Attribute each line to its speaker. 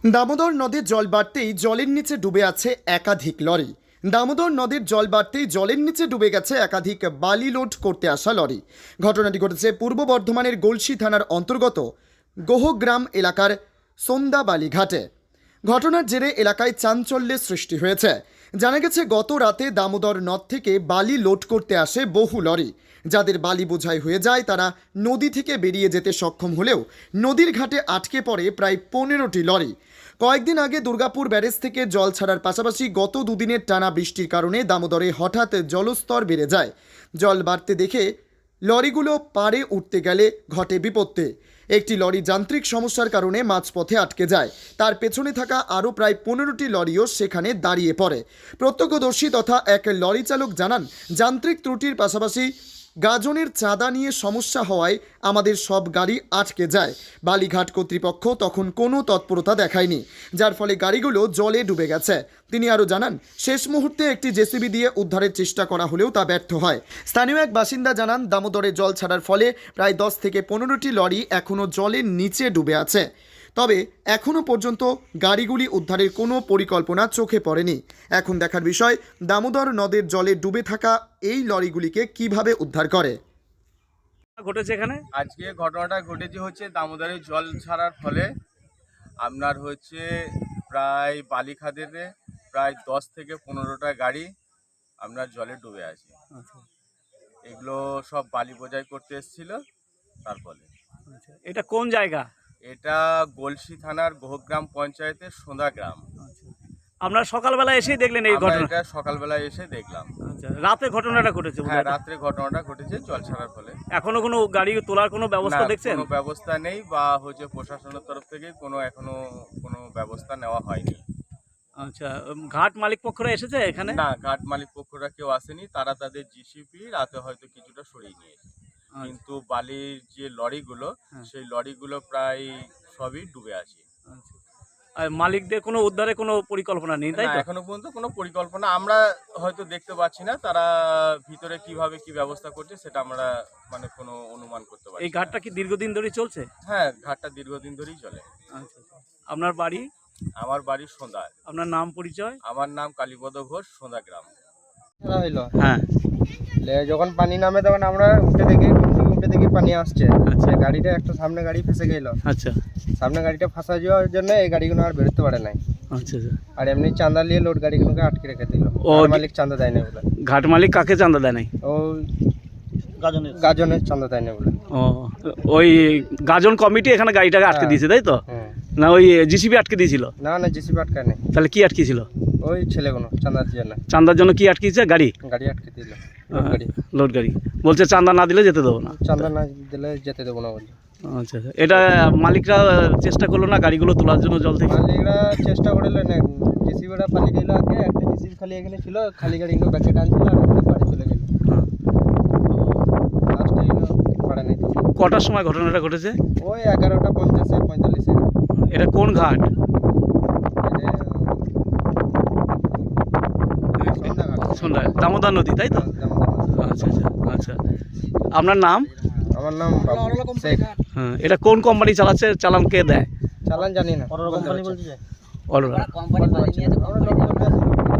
Speaker 1: দামোদর নদীর জল বাড়তেই জলের নিচে ডুবে আছে একাধিক লরি। দামোদর নদীর জল বাড়তেই জলের নিচে ডুবে গেছে একাধিক বালি লোড করতে আসা লরি। ঘটনাটি ঘটেছে পূর্ব বর্ধমানের গলসি থানার অন্তর্গত গোহগ্রাম এলাকার সন্দাবালি ঘাটে। ঘটনার জেরে এলাকায় চাঞ্চল্যের সৃষ্টি হয়েছে। জানা গেছে গত রাতে দামোদর নদ থেকে বালি লোড করতে আসে বহু লরি। যাদের বালি বোঝাই হয়ে যায় তারা নদী থেকে বেরিয়ে যেতে সক্ষম হলেও নদীর ঘাটে আটকে পড়ে প্রায় 15টি লরি। কয়েকদিন আগে দুর্গাপুর ব্যারেজ থেকে জল ছাড়ার পাশাপাশি গত দুদিনের টানা বৃষ্টির কারণে দামোদরে হঠাৎ জলস্তর বেড়ে যায়। জল বাড়তে দেখে লরিগুলো পাড়ে উঠতে গেলে ঘটে বিপত্তি। একটি লরি যান্ত্রিক সমস্যার কারণে মাঝপথে আটকে যায়। তার পেছনে থাকা আরও প্রায় 15টি লরিও সেখানে দাঁড়িয়ে পড়ে। প্রত্যক্ষদর্শী তথা এক লরি চালক জানান, যান্ত্রিক ত্রুটির পাশাপাশি গাজনের চাঁদা নিয়ে সমস্যা হওয়ায় আমাদের সব গাড়ি আটকে যায়। বালিঘাট কর্তৃপক্ষ তখন কোনো তৎপরতা দেখায়নি, যার ফলে গাড়িগুলো জলে ডুবে গেছে। তিনি আরও জানান, শেষ মুহূর্তে একটি জেসিবি দিয়ে উদ্ধারের চেষ্টা করা হলেও তা ব্যর্থ হয়। স্থানীয় এক বাসিন্দা জানান, দামোদরে জল ছাড়ার ফলে প্রায় 10 থেকে 15টি লরি এখনও জলের নিচে ডুবে আছে। তবে এখনও পর্যন্ত গাড়িগুলি উদ্ধারের কোনো পরিকল্পনা চোখে পড়েনি। এখন দেখার বিষয় দামোদর নদের জলে ডুবে থাকা এই লরিগুলিকে কিভাবে উদ্ধার করে।
Speaker 2: ঘটেছে এখানে
Speaker 3: আজকে ঘটনাটা ঘটেছে হচ্ছে দামোদরে জল ছাড়ার ফলে আপনার হচ্ছে প্রায় বালিখাদেতে প্রায় 10 থেকে 15টা গাড়ি আপনার জলে ডুবে আছে। এগুলো সব বালি বোঝাই করতে এসেছিল। তার ফলে
Speaker 2: এটা কোন জায়গা?
Speaker 3: এটা গলসি থানার গোহগ্রাম পঞ্চায়েতের সোঁদা গ্রাম।
Speaker 2: আপনারা সকালবেলা এসেই দেখলেন এই
Speaker 3: আমরা
Speaker 2: ঘটনা?
Speaker 3: এটা সকালবেলায় এসে দেখলাম।
Speaker 2: আচ্ছা, রাতে ঘটনাটা ঘটেছে?
Speaker 3: হ্যাঁ, রাত্রে ঘটনাটা ঘটেছে জল ছাড়ার ফলে।
Speaker 2: এখনো কোনো গাড়ি তোলার কোনো ব্যবস্থা
Speaker 3: না,
Speaker 2: দেখছেন?
Speaker 3: কোনো ব্যবস্থা নেই বা হচ্ছে প্রশাসনের তরফ থেকে এখনো কোনো ব্যবস্থা নেওয়া হয়নি।
Speaker 2: আচ্ছা, ঘাট মালিক পক্ষরা এসেছে এখানে?
Speaker 3: না, ঘাট মালিক পক্ষরা কেউ আসেনি। তারা তাদের জিসিপি রাতে হয়তো কিছুটা সরিয়ে নিয়েছে, কিন্তু বালির যে লরিগুলো সেই লরিগুলো প্রায় সবই ডুবে আছে।
Speaker 2: আর মালিকদের কোনো উদ্ধারে কোনো পরিকল্পনা নেই, তাই
Speaker 3: না,
Speaker 2: তো?
Speaker 3: এখনো পর্যন্ত কোনো পরিকল্পনা আমরা হয়তো দেখতে পাচ্ছি না। তারা ভিতরে কিভাবে কি ব্যবস্থা করছে সেটা আমরা কোনো অনুমান করতে পারছি।
Speaker 2: এই ঘাটটা কি দীর্ঘদিন ধরে চলছে?
Speaker 3: হ্যাঁ, ঘাটটা দীর্ঘদিন ধরেই চলে।
Speaker 2: আচ্ছা, আপনার বাড়ি?
Speaker 3: আমার বাড়ি সোঁদা।
Speaker 2: আপনার নাম পরিচয়?
Speaker 3: আমার নাম কালীপদ ঘোষ, সোঁদা গ্রাম।
Speaker 4: হইলো
Speaker 2: হ্যাঁ,
Speaker 4: যখন পানি নামে তখন আমরা উঠে দেখি পানি আসছে। আচ্ছা, গাড়িটা একটা সামনে গাড়ি ফেসে গেল।
Speaker 2: আচ্ছা,
Speaker 4: সামনে গাড়িটা ফাঁসা যাওয়ার জন্য এই গাড়িগুলো আর বেরোতে পারে নাই।
Speaker 2: আচ্ছা,
Speaker 4: আর এমনি চাঁদা নিয়ে লোড গাড়িগুলোকে আটকে রেখে দিল। মালিক চাঁদা দেয় না বলে।
Speaker 2: ঘাট মালিক কাকে চাঁদা দেয় নাই?
Speaker 4: ও গাজনের চাঁদা দেয় না বলে।
Speaker 2: ও, ওই গাজন কমিটি এখানে গাড়িটাকে আটকে দিয়েছে, তাই তো? না, ওই জিসিবি আটকে দিয়েছিল?
Speaker 4: না, জিসিবি আটকায় নেই।
Speaker 2: তাহলে কি আটকেছিল?
Speaker 4: ওই ছেলেগুলো চাঁদার জন্য।
Speaker 2: চাঁদার জন্য কি আটকেছে? গাড়ি
Speaker 4: আটকে দিল।
Speaker 2: লোড গাড়ি বলছে চাঁদা না দিলে যেতে দেবো না।
Speaker 4: চাঁদা না দিলে যেতে দেবো না বলছে।
Speaker 2: আচ্ছা, এটা মালিকরা চেষ্টা করলো না গাড়িগুলো তোলার জন্য জল থেকে?
Speaker 4: মালিকরা চেষ্টা করলো না, জিসিবিটা পালিয়ে গেল আগে। একটা জিসিবি খালি এখানে ছিল, খালি গাড়িগুলো ব্যাকে টানছিল আর বাড়ি চলে গেল। লাস্টে এলো পারে নাই।
Speaker 2: কটার সময় ঘটনাটা ঘটেছে?
Speaker 4: ওই 11:50-45।
Speaker 2: এটা কোন ঘাট? সন্ধ্যা দামোদর নদী, তাই তো? আচ্ছা, আচ্ছা, আচ্ছা। আপনার নাম?
Speaker 4: আমার নাম বাবু শেখ।
Speaker 2: হ্যাঁ, এটা কোন কোম্পানি চালাচ্ছে? চালান কে দেয়?
Speaker 4: চালান জানি না।
Speaker 2: অরোরা।